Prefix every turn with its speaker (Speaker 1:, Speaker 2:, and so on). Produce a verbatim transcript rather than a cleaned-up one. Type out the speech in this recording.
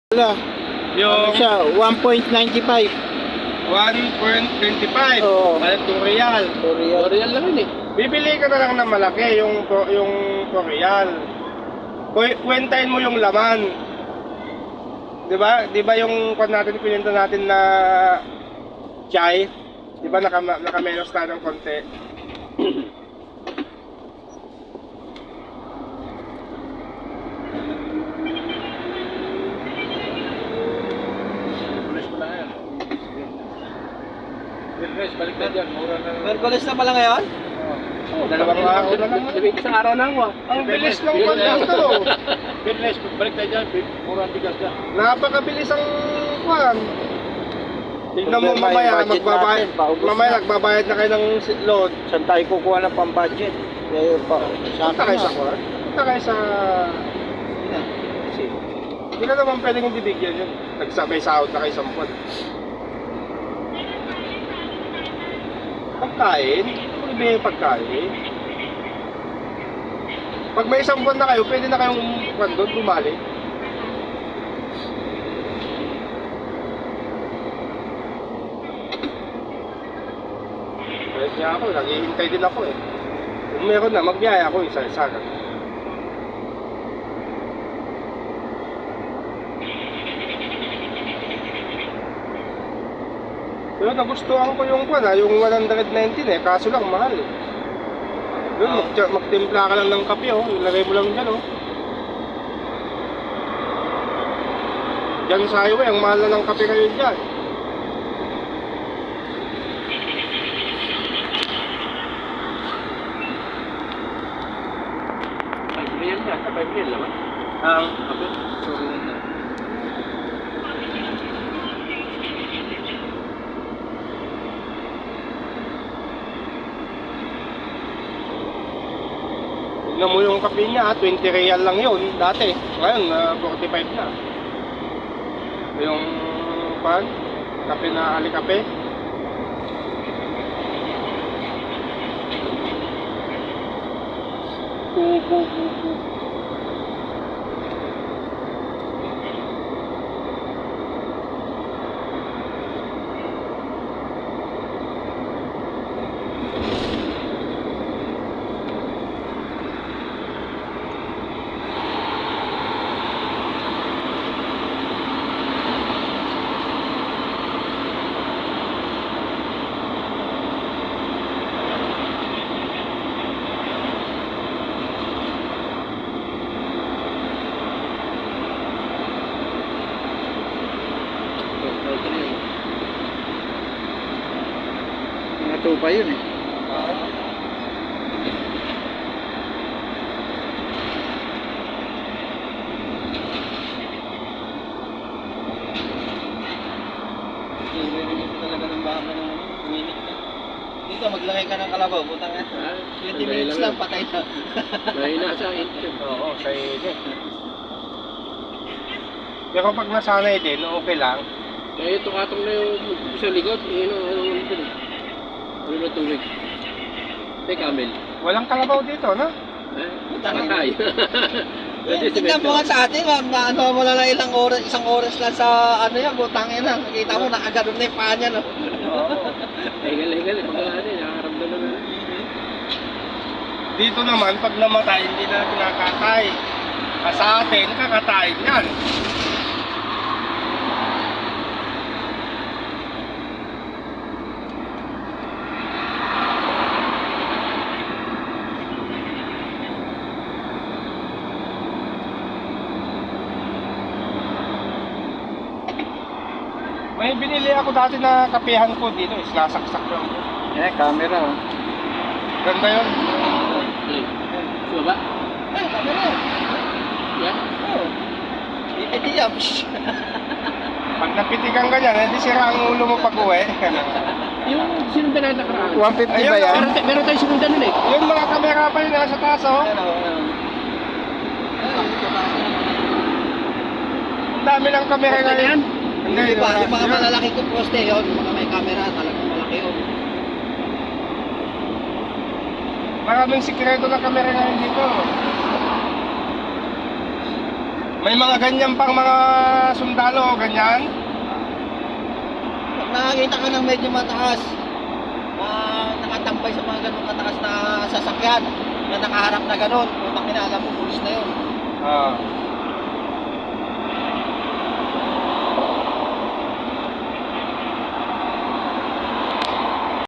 Speaker 1: Wala. Ano
Speaker 2: Yung
Speaker 1: siya? one point nine five.
Speaker 2: one point two five.
Speaker 1: Oo.
Speaker 2: Balik two real.
Speaker 1: Korean.
Speaker 3: Korean lang yun eh.
Speaker 2: Bibili ka na lang ng malaki, yung to- yung two real. Ku- Kwentahin mo yung laman. 'Di ba? 'Di ba yung kwan natin pinenta natin na chai? 'Di ba naka naka-menos tayo ng konti?
Speaker 3: Merkulis pa lang yan. Merkulis, balik na dyan. Mura na.
Speaker 1: Merkulis na pala ngayon?
Speaker 2: Oh, dalawang araw na lang.
Speaker 3: Sabi isang araw na ako ah.
Speaker 2: Ang bilis ng kwan dito.
Speaker 3: Merkulis, balik na dyan. Mura ang bigas dyan.
Speaker 2: Napakabilis ang kwan. Tignan mo
Speaker 1: Problema
Speaker 2: mamaya,
Speaker 1: yung budget
Speaker 2: magbabayad,
Speaker 1: natin, paubos
Speaker 2: mamaya
Speaker 1: na.
Speaker 2: nagbabayad na kayo ng si- load.
Speaker 1: Saan tayo kukuha ng pang-budget? Eh, pa, sa
Speaker 2: Punta kayo sa kwan. Punta kayo sa...
Speaker 1: Kasi,
Speaker 2: Hindi na naman pwedeng hindi bigyan yun. Nagsabay sahod na kayo sa buwan. Pagkain? Ano ba yung pagkain? Pag may isang buwan na kayo, pwede na kayong kwan doon, bumalik. Kahit nga ako, naghihintay din ako eh. Kung meron na, magbiyaya ako isa-isa. Pero nagustuhan ko yung kwan ha, yung one nineteen eh, kaso lang mahal eh. Yun, mag magtimpla ka lang ng kape oh, ilagay mo lang dyan oh. Diyan sa highway, ang mahal na ng kape kayo dyan.
Speaker 3: five real yan. five real naman.
Speaker 2: Ang
Speaker 3: Okay.
Speaker 2: tignan mo yung kape niya, twenty real lang yun dati. Ngayon, uh, forty-five na. Yung pan, kape na alikape. Kubo, kubo.
Speaker 1: mga tupa yun eh. Talaga ng baka ng minute na. Dito, maglagay ka ng kalabaw, butang nga. twenty minutes lang, patay na.
Speaker 3: Mahina sa init.
Speaker 2: Oo, sa init. Pero pag nasanay din, okay lang.
Speaker 3: Eh, tukatong na yung sa likod. Eh, ano, ano, ano, ano, ano na tubig. May camel.
Speaker 2: Walang kalabaw dito, no?
Speaker 3: Eh, takatay.
Speaker 1: Tignan mo nga sa atin, ma'am, na ano mo na lang ilang oras, isang oras lang sa ano yan, butangin na. Nakita mo, nakaganon na yung paa niya, no?
Speaker 2: Oo.
Speaker 3: Higal, higal. Pag ano, nakaramdam na.
Speaker 2: Dito naman, pag namatay, hindi na kinakatay. Ah, sa atin, kakatayin yan. May binili ako dati na kapehan ko dito, is nasaksak lang.
Speaker 1: Eh, camera, oh.
Speaker 2: Ganda yun.
Speaker 3: Eh, sa baba?
Speaker 1: Eh, camera.
Speaker 3: Yan.
Speaker 1: Oo. Hindi yan.
Speaker 2: Pag napitikan ka dyan, hindi sira ang ulo mo pag uwi.
Speaker 3: Yung sinundan na nakaraan.
Speaker 1: one fifty
Speaker 2: Ayun,
Speaker 1: ba yan?
Speaker 3: Meron, meron tayong sinundan nun eh.
Speaker 2: Yung mga kamera pa yun nasa taas, oh.
Speaker 1: Ano, ano.
Speaker 2: Ang dami ng kamera
Speaker 3: Basta
Speaker 2: ngayon.
Speaker 3: yan.
Speaker 2: Hindi,
Speaker 1: Yung, iba, yung mga
Speaker 2: yun.
Speaker 1: malalaki kong poste yun, yung mga may camera, talagang malaki yun.
Speaker 2: Maraming sikreto ng kamera ngayon dito. May mga ganyan pang mga sundalo, ganyan.
Speaker 1: Pag nakakita ka ng medyo mataas, ah, nakatambay sa mga ganun mataas na sasakyan, na nakaharap na ganun, kung alam mo, pulis na yun.
Speaker 2: Ah.